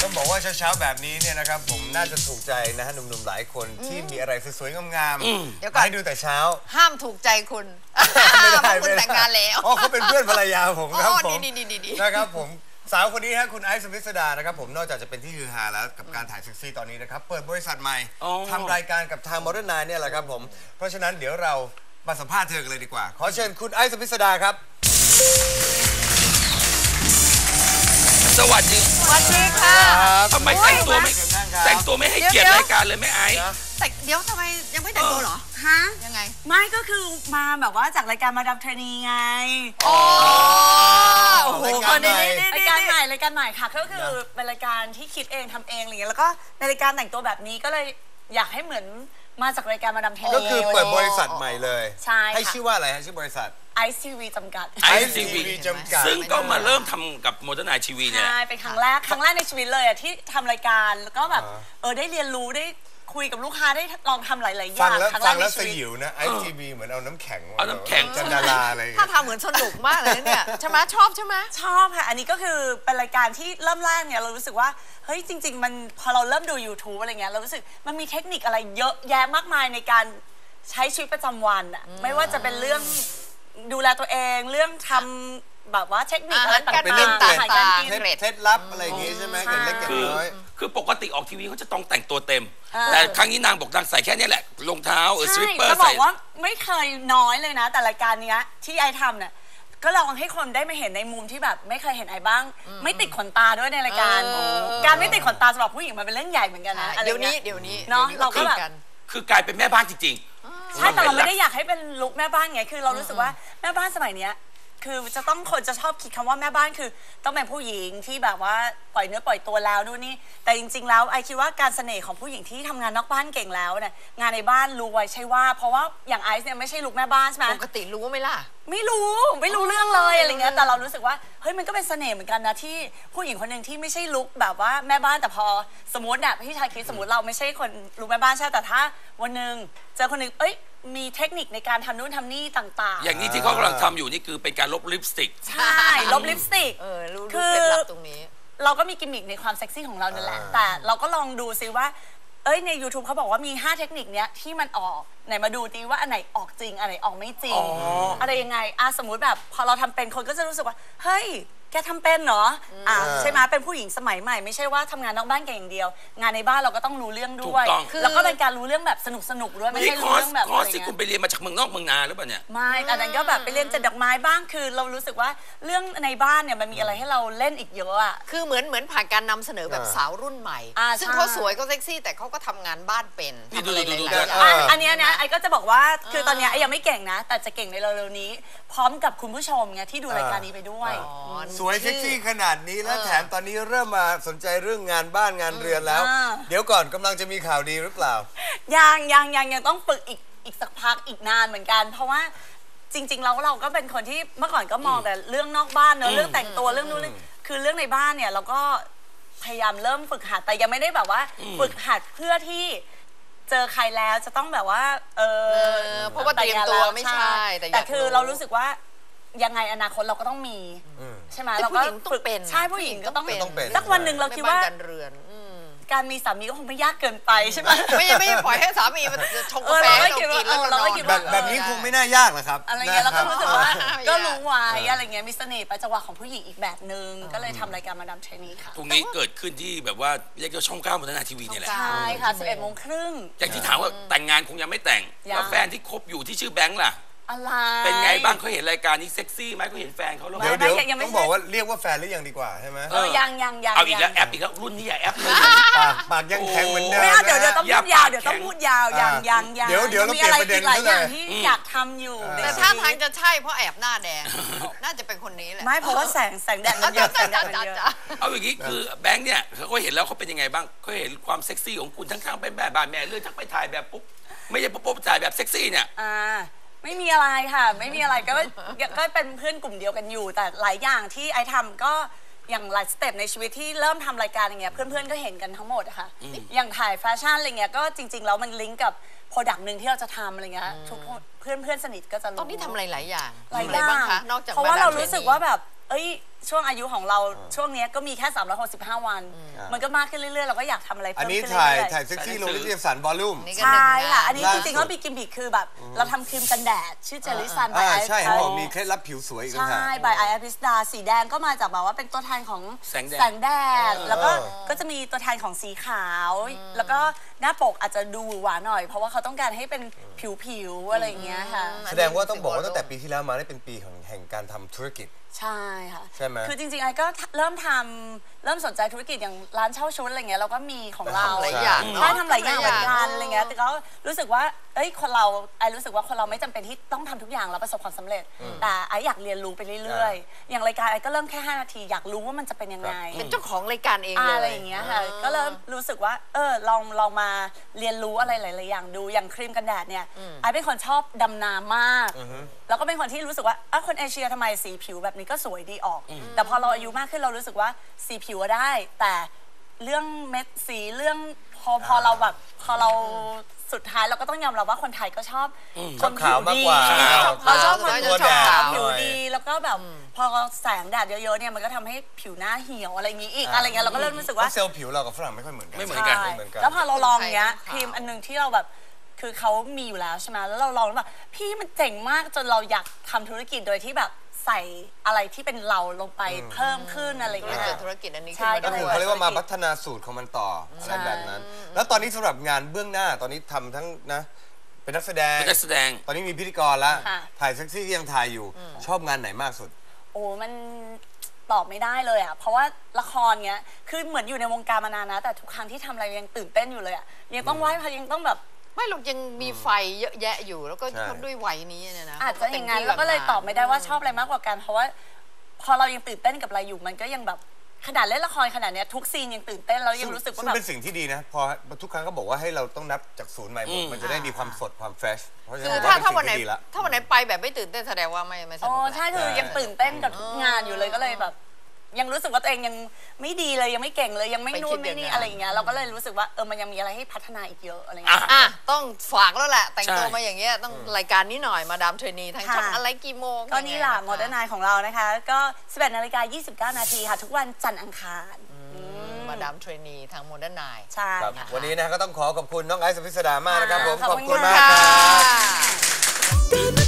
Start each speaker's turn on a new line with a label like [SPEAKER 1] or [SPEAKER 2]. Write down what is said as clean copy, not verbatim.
[SPEAKER 1] ต้องบอกว่าเช้าๆแบบนี้เนี่ยนะครับผมน่าจะถูกใจนะฮะหนุ่มๆหลายคนที่มีอะไรสวยๆงามๆให้ดูแต่เช้า
[SPEAKER 2] ห้ามถูกใจคุณ
[SPEAKER 1] ไม่ได้
[SPEAKER 2] คุณแต่งงานแล้ว
[SPEAKER 1] อ๋อเขาเป็นเพื่อนภรรยาผมครับผม
[SPEAKER 2] ดี
[SPEAKER 1] นะครับผมสาวคนนี้ฮะคุณไอซ์ สุพิสดานะครับผมนอกจากจะเป็นที่ฮือฮาแล้วกับการถ่ายเซ็กซี่ตอนนี้นะครับเปิดบริษัทใหม่ทำรายการกับทาง Modern Nine เนี่ยแหละครับผมเพราะฉะนั้นเดี๋ยวเรามาสัมภาษณ์เธอกันเลยดีกว่าขอเชิญคุณไอซ์ สุพิสดาครับ
[SPEAKER 3] สวัสดี
[SPEAKER 2] ค่ะ
[SPEAKER 3] ทำไมแต่งตัวไม่ให้เกียรติรายการเลยไม่ไอซ์
[SPEAKER 2] แต่เดี๋ยวทำไมยังไม่แต่งตัวเหรอฮะยังไง
[SPEAKER 4] ไม่ก็คือมาแบบว่าจากรายการมาดามเทรนีไง
[SPEAKER 2] โอ้โห
[SPEAKER 4] รายการใหม่ค่ะก็คือเป็นรายการที่คิดเองทำเองอะไรเงี้ยแล้วก็ในรายการแต่งตัวแบบนี้ก็เลยอยากให้เหมือนมาจากรายการมาดามเทรนี
[SPEAKER 1] ก็คือเปิดบริษัทใหม่เลย
[SPEAKER 4] ใช่
[SPEAKER 1] ให้ชื่อว่าอะไรฮะชื่อบริษัท
[SPEAKER 4] Ice TV จำกัด
[SPEAKER 3] Ice TV จำกัดซึ่งก็มาเริ่มทำกับ Modern Nine TV เนี่ย
[SPEAKER 4] ใช่เป็นครั้งแรกในชีวิตเลยอ่ะที่ทำรายการแล้วก็แบบได้เรียนรู้ได้คุยกับลูกค้าได้ลองทำหลายๆอย่าง
[SPEAKER 1] ฟังแล้วสยิวนะ Ice TV เหมือนเอาน้ำแข็งจันดาราอะไร
[SPEAKER 2] ถ้าทำเหมือนสนุกมากเลยเนี่ยใช่ไหมชอบ
[SPEAKER 4] ค่ะอันนี้ก็คือเป็นรายการที่เริ่มแรกเนี่ยเรารู้สึกว่าเฮ้ยจริงๆมันพอเราเริ่มดู YouTube อะไรเงี้ยเรารู้สึกมันมีเทคนิคอะไรเยอะแยะมากมายในการใช้ชีวิตประจำวันอ่ะไม่ว่าจะเป็นเรื่องดูแลตัวเองเรื่องทำแบบว่าเทคนิคอะไรต่างๆ
[SPEAKER 1] เป็นเรื่องเคล็ดลับอะไรอย่างงี้ใช่ไหมเกิดเล็กเกิดน้อย
[SPEAKER 3] คือปกติออกทีวีเขาจะต้องแต่งตัวเต็มแต่ครั้งนี้นางบอกนางใส่แค่นี้แหละรองเท้าสลิปเปอร์
[SPEAKER 4] ใส่จะบอกว่าไม่เคยน้อยเลยนะแต่รายการนี้ที่ไอทำเนี่ยก็ลองให้คนได้มาเห็นในมุมที่แบบไม่เคยเห็นไอบ้างไม่ติดขนตาด้วยในรายการไม่ติดขนตาสำหรับผู้หญิงมันเป็นเรื่องใหญ่เหมือนกันนะ
[SPEAKER 2] เดี๋ยวนี้
[SPEAKER 4] เนาะเราก็แบบ
[SPEAKER 3] คือกลายเป็นแม่บ้านจริง
[SPEAKER 4] ๆใช่แต่เราไม่ได้อยากให้เป็นลุคแม่บ้านไงคือเรารู้สึกว่าแม่บ้านสมัยเนี้ยคือจะต้องคนจะชอบคิดคำว่าแม่บ้านคือต้องเป็นผู้หญิงที่แบบว่าปล่อยเนื้อปล่อยตัวแล้วนู่นนี่แต่จริงๆแล้วไอคิดว่าการเสน่ห์ของผู้หญิงที่ทำงานนอกบ้านเก่งแล้วเนี่ยงานในบ้านรู้ไว้ใช่ว่าเพราะว่าอย่างไอซ์เนี่ยไม่ใช่ลุคแม่บ้านใช่ไหม
[SPEAKER 2] ปกติรู้ไหมล่ะ
[SPEAKER 4] ไม่รู้เรื่องเลยอะไรเงี้ยแต่เรารู้สึกว่าเฮ้ยมันก็เป็นเสน่ห์เหมือนกันนะที่ผู้หญิงคนหนึ่งที่ไม่ใช่ลุคแบบว่าแม่บ้านแต่พอสมมติเนี่ยพี่ชายคิดสมมติเราไม่ใช่คนลุคแม่บ้านใช่แต่ถ้าวันหนึ่งเจอคนหนึ่งมีเทคนิคในการทำนู่นทำนี่ต่างๆ
[SPEAKER 3] อย่างนี้ที่เขากำลังทำอยู่นี่คือเป็นการลบลิปสติก
[SPEAKER 4] ใช่ลบลิปสติก
[SPEAKER 2] รู้เคล็ดลับตรงนี้
[SPEAKER 4] เราก็มีกิมมิคในความเซ็กซี่ของเรานั่นแหละแต่เราก็ลองดูซิว่าใน YouTube เขาบอกว่ามี5เทคนิคเนี้ยที่มันออกไหนมาดูดีว่าอันไหนออกจริงอันไหนออกไม่จริงอะไรยังไงสมมุติแบบพอเราทำเป็นคนก็จะรู้สึกว่าเฮ้ยแกทำเป็นเหรอใช่ไหมเป็นผู้หญิงสมัยใหม่ไม่ใช่ว่าทำงานนอกบ้านแกอย่างเดียวงานในบ้านเราก็ต้องรู้เรื่องด้วยแล้วก็เป็นการรู้เรื่องแบบสนุกด้วยไม่ใช่รู้เรื่องแบบ
[SPEAKER 3] คอร์สที่คุณไปเรียนมาจากเมืองนอกเมืองนาหรือเปล่าเนี่ย
[SPEAKER 4] ไม่แต่นั้นก็แบบไปเรียนจัดดอกไม้บ้างคือเรารู้สึกว่าเรื่องในบ้านเนี่ยมันมีอะไรให้เราเล่นอีกเยอะอ่ะ
[SPEAKER 2] คือเหมือนผ่านการนำเสนอแบบสาวรุ่นใหม่ซึ่งเขาสวยเขาเซ็กซี่แต่เขาก็ทำงานบ้านเป็นทำอะไรหลายอย่าง
[SPEAKER 4] อันนี้นะไอ้ก็จะบอกว่าคือตอนนี้ไอ้ยังไม่เก่งนะแต่จะเก่งในเร็วๆนี้พร้อมกับคุณผู้ชมไงที่ดูรายการนี้ไปด้วย
[SPEAKER 1] สวยเซ็กซี่ขนาดนี้แล้วแถมตอนนี้เริ่มมาสนใจเรื่องงานบ้านงานเรือนแล้วเดี๋ยวก่อนกำลังจะมีข่าวดีหรือเปล่า
[SPEAKER 4] ยังต้องฝึกอีกสักพักอีกนานเหมือนกันเพราะว่าจริงๆเราก็เป็นคนที่เมื่อก่อนก็มองแต่เรื่องนอกบ้านเนอะเรื่องแต่งตัวเรื่องนู้นคือเรื่องในบ้านเนี่ยเราก็พยายามเริ่มฝึกหัดแต่ยังไม่ได้แบบว่าฝึกหัดเพื่อที่เจอใครแล้วจะต้องแบบว่า
[SPEAKER 2] เพราะว่าเตรียมตัวไม่ใช่
[SPEAKER 4] แต่คือเรารู้สึกว่ายังไงอนาคตเราก็ต้องมีใช่ไหมเราก็ฝึกเป็นใช่ผู้หญิงก็ต้องเป็นสักวันหนึ่งเราคิดว่าการมีสามีก็คงไม่ยากเกินไปใช่ไหม
[SPEAKER 2] ไม่ปล่อยให้สามีมันชงกาแฟเรากินแล้ว
[SPEAKER 1] เราคิดว่าแบบนี้คงไม่น่ายากหรอกครับ
[SPEAKER 4] อะไรเงี้ยเราก็รู้สึกว่าก็รู้ไว้อะไรเงี้ยมีเสน่ห์ประจักษ์ของผู้หญิงอีกแบบนึงก็เลยทำรายการมาดามเทรนีค่ะ
[SPEAKER 3] ตรงนี้เกิดขึ้นที่แบบว่าเรียกว่าช่อง9 Modern Nine TVนี่แหละ
[SPEAKER 4] ใช่ค่ะ11:30
[SPEAKER 3] อย่างที่ถามว่าแต่งงานคงยังไม่แต่งแล้วแฟนที่คบอยู่ที่ชื่อแบงค์ล่ะ
[SPEAKER 4] อะไร
[SPEAKER 3] เป็นไงบ้างเขาเห็นรายการนี้เซ็กซี่ไหมเขาเห็นแฟนเขาแล้ว
[SPEAKER 1] เดี๋ยวต้องบอกว่าเรียกว่าแฟนหรือยังดีกว่าใช่ไหม
[SPEAKER 4] ยัง
[SPEAKER 3] เอาอีกแล้วแอปอีกแล้วรุ่นนี้อย่าแอปเลย
[SPEAKER 1] ปากยังแข็งเหมือนเดิม
[SPEAKER 4] เดี๋ยวต้องพูดยาวเดี๋ยวยัง
[SPEAKER 1] เดี๋ยวเราเปลี่ยนประเด็น
[SPEAKER 4] หลายอย่างที่อยากทำอยู่
[SPEAKER 2] แต่ท่าทางจะใช่เพราะแอบหน้าแดงน่าจะเป็นคนนี้แหละ
[SPEAKER 4] ไม่เพราะว่าแสงแดดมันเยอะ
[SPEAKER 3] เอาอย่างนี้คือแบงค์เนี่ยเขาเห็นแล้วเขาเป็นยังไงบ้างเขาเห็นความเซ็กซี่ของคุณทั้งเป็นแบบบ้านแม่เลื่อนทั้งไปถ่ายแบบปุ๊บไม่ใช่ปุ๊บถ่ายแบบเซ็กซี่เนี่ย
[SPEAKER 4] ไม่มีอะไรค่ะไม่มีอะไรก็เป็นเพื่อนกลุ่มเดียวกันอยู่แต่หลายอย่างที่ไอทำก็อย่างหลายสเต็ปในชีวิตที่เริ่มทำรายการอย่างเงี้ยเพื่อนๆก็เห็นกันทั้งหมดอะค่ะอย่างถ่ายแฟชั่นอะไรเงี้ยก็จริงๆแล้วมันลิงก์กับโปรดักต์หนึ่งที่เราจะทำอะไรเงี้ยทุกเพื่อนสนิทก็จะรู้
[SPEAKER 2] ตอนนี้ทำอะไรหลายอย่าง
[SPEAKER 4] บ้างคะนอกจากเพราะว่าเรารู้สึกว่าแบบช่วงอายุของเราช่วงเนี้ยก็มีแค่365 วัน มันก็มากขึ้นเรื่อยๆเราก็อยากทำอะไร
[SPEAKER 1] อัน
[SPEAKER 4] เพิ่ม
[SPEAKER 1] นี้
[SPEAKER 4] ขึ้นเรื่
[SPEAKER 1] ถ่าย
[SPEAKER 4] อย
[SPEAKER 1] ถ่ายเซ็กซี่ลงนิตยสารวอลลุ่ม
[SPEAKER 2] นี่
[SPEAKER 4] ๆ
[SPEAKER 2] ก็หนึ่ง
[SPEAKER 4] ใช่ค่ะ
[SPEAKER 2] งาน
[SPEAKER 4] อันนี้จริงๆก็มีกิมมิคคือแบบเราทำครีมกันแดดชื่อเจลลี่ซัน
[SPEAKER 1] ใช่เขาบอกมีเคล็ดลับผิวสวยอีกต่างหาก
[SPEAKER 4] ใช่บายไอพิสดาสีแดงก็มาจากแบบว่าเป็นตัวแทนของ
[SPEAKER 3] แสงแดด
[SPEAKER 4] แสงแดดแล้วก็จะมีตัวแทนของสีขาว แล้วก็หน้าปกอาจจะดูหวานหน่อย เพราะว่าเขาต้องการให้เป็นผิวๆอะไรอย่างเงี้ยค่ะ
[SPEAKER 1] แสดงว่าต้องบอกว่าตั้งแต่ปีที่แล้วมาได้เป็นปีของแห่งการทำธุรกิจ
[SPEAKER 4] ใช่ค่ะ
[SPEAKER 1] ใช่ไหม
[SPEAKER 4] คือจริงๆไอ้ก็เริ่มสนใจธุรกิจอย่างร้านเช่าชุดอะไรเงี้ยเราก็มีของเรา
[SPEAKER 2] ทำหลายอย่าง
[SPEAKER 4] ใช่ทำหลายอย่างเหมือนกันอะไรเงี้ยแต่ก็รู้สึกว่าคนเราไอ้รู้สึกว่าคนเราไม่จำเป็นที่ต้องทำทุกอย่างแล้วประสบความสำเร็จ แต่ไอ้อยากเรียนรู้ไปเรื่อยๆ อย่างรายการไอ้ก็เริ่มแค่5 นาทีอยากรู้ว่ามันจะเป็นยังไง
[SPEAKER 2] เป็นเจ้าของรายการเองเลย
[SPEAKER 4] อะไรอย่างเงี้ยค่ะก็เริ่มรู้สึกว่าลองมาเรียนรู้อะไรหลายๆอย่างดูอย่างครีมกันแดดเนี่ยไอ้เป็นคนชอบดำน้ำมากแล้วก็เป็นคนที่รู้สึกว่าคนเอเชียทำไมสีผิวแบบนี้ก็สวยดีออก แต่พอเราอายุมากขึ้นเรารู้สึกว่าสีผิวอะได้ แต่เรื่องเม็ดสีเรื่องพอเราแบบพอเราสุดท้ายเราก็ต้องยอมรับว่าคนไทยก็ชอบคนผิวดี เราชอบคน
[SPEAKER 1] ตัวแดด
[SPEAKER 4] ผิวดีแล้วก็แบบพอแสงแดดเยอะๆเนี่ยมันก็ทำให้ผิวหน้าเหี่ยวอะไรอย่างงี้อีกอะไรเงี้ยเราก็เริ่มรู้สึกว่า
[SPEAKER 1] เซลล์ผิวเรากับฝรั่งไม่ค่อยเหมือนกัน
[SPEAKER 3] ไม่เหมือนกัน
[SPEAKER 4] ใช่
[SPEAKER 1] ไม่เหมือนกัน
[SPEAKER 4] แล้วพอเราลองเนี้ย
[SPEAKER 2] คนไทย
[SPEAKER 4] ครีมอันนึงที่เราแบบคือเขามีอยู่แล้วใช่ไหมแล้วเราลองแล้วแบบพี่มันเจ๋งมากจนเราอยากทำธุรกิจโดยที่แบบใส่อะไรที่เป็นเราลงไปเพิ่มขึ้นอะไร
[SPEAKER 2] ก็
[SPEAKER 4] เงี้ย
[SPEAKER 2] เกิดธุรกิจอันนี้
[SPEAKER 4] ใช่
[SPEAKER 2] ขึ้นมา
[SPEAKER 1] ก็
[SPEAKER 2] ด้
[SPEAKER 1] คือ
[SPEAKER 2] วย
[SPEAKER 1] เขาเรียกว่ามาพัฒนาสูตรของมันต่ออะไรแบบนั้น แล้วตอนนี้สำหรับงานเบื้องหน้าตอนนี้ทำทั้งนะเป็นนักแสดง
[SPEAKER 3] เป็นนักแสดง
[SPEAKER 1] ตอนนี้มีพิธีกรแล้วถ่ายเซ็กซี่ก็ยังถ่ายอยู่ชอบงานไหนมากสุด
[SPEAKER 4] โอ้มันตอบไม่ได้เลยอ่ะเพราะว่าละครเงี้ยคือเหมือนอยู่ในวงการมานานนะแต่ทุกครั้งที่ทำอะไรยังตื่นเต้นอยู่เลยอ่ะยังต้องไหว้พระยังต้องแบบ
[SPEAKER 2] ไม่หรอกยังมีไฟเยอะแยะอยู่แล้วก็
[SPEAKER 1] ใช่
[SPEAKER 2] ด้วยวัยนี้เนี่ยนะ
[SPEAKER 4] อาจจะอย่างนั้นแล้วก็เลยตอบไม่ได้ว่าชอบอะไรมากกว่ากันเพราะว่าพอเรายังตื่นเต้นกับอะไรอยู่มันก็ยังแบบขนาดเล่นละครขนาดเนี้ยทุกซีนยังตื่นเต้นแล้วยังรู้สึกว่า
[SPEAKER 1] ซึ่ง
[SPEAKER 4] แบบ
[SPEAKER 1] เป็นสิ่งที่ดีนะพอทุกครั้งก็บอกว่าให้เราต้องนับจากศูนย์ใหม่หมดมันจะได้มีความสดความเฟรชเพราะฉะ
[SPEAKER 2] คื
[SPEAKER 1] นั้
[SPEAKER 2] อน ถ้า
[SPEAKER 1] ผมว่า
[SPEAKER 2] วันไหน
[SPEAKER 1] เป็นสิ่งที่ดีละ
[SPEAKER 2] ถ้าวันไหนไปแบบไม่ตื่นเต้นแสดงว่าไม่สนุ
[SPEAKER 4] อ๋
[SPEAKER 2] ก
[SPEAKER 4] อ
[SPEAKER 2] แหละ
[SPEAKER 4] ใช่คือยังตื่นเต้นกับทุกงานอยู่เลยก็เลยแบบ ยังรู้สึกว่าตัวเองยังไม่ดีเลยยังไม่เก่งเลยยังไม่นู่นไม่นี่อะไรอย่างเงี้ยเราก็เลยรู้สึกว่ามันยังมีอะไรให้พัฒนาอีกเยอะอะไรเงี้ย
[SPEAKER 2] ต้องฝากแล้วแหละแต่งตัว
[SPEAKER 3] ใช่
[SPEAKER 2] มาอย่างเงี้ยต้องรายการนี้หน่อยมาดามเทรนีทางช่อง
[SPEAKER 4] ค่ะ
[SPEAKER 2] อะไรกี่โมง
[SPEAKER 4] ก็นี่แหละ
[SPEAKER 2] ยังไง
[SPEAKER 4] โมเดิร์นไนของเรานะคะ ก็ 11:29 นาทีค่ะ ทุกวันจันทร์อังคาร
[SPEAKER 2] มาดามเทรนีทางโมเดิร์นไน
[SPEAKER 4] ใช่
[SPEAKER 1] ครับ
[SPEAKER 4] ค่ะ
[SPEAKER 1] วันนี้นะก็ต้องขอบคุณน้องไอซ์ สุพิสดามากนะครับผม
[SPEAKER 4] ขอบคุณ
[SPEAKER 1] มาก
[SPEAKER 4] ค่ะ
[SPEAKER 1] ครับ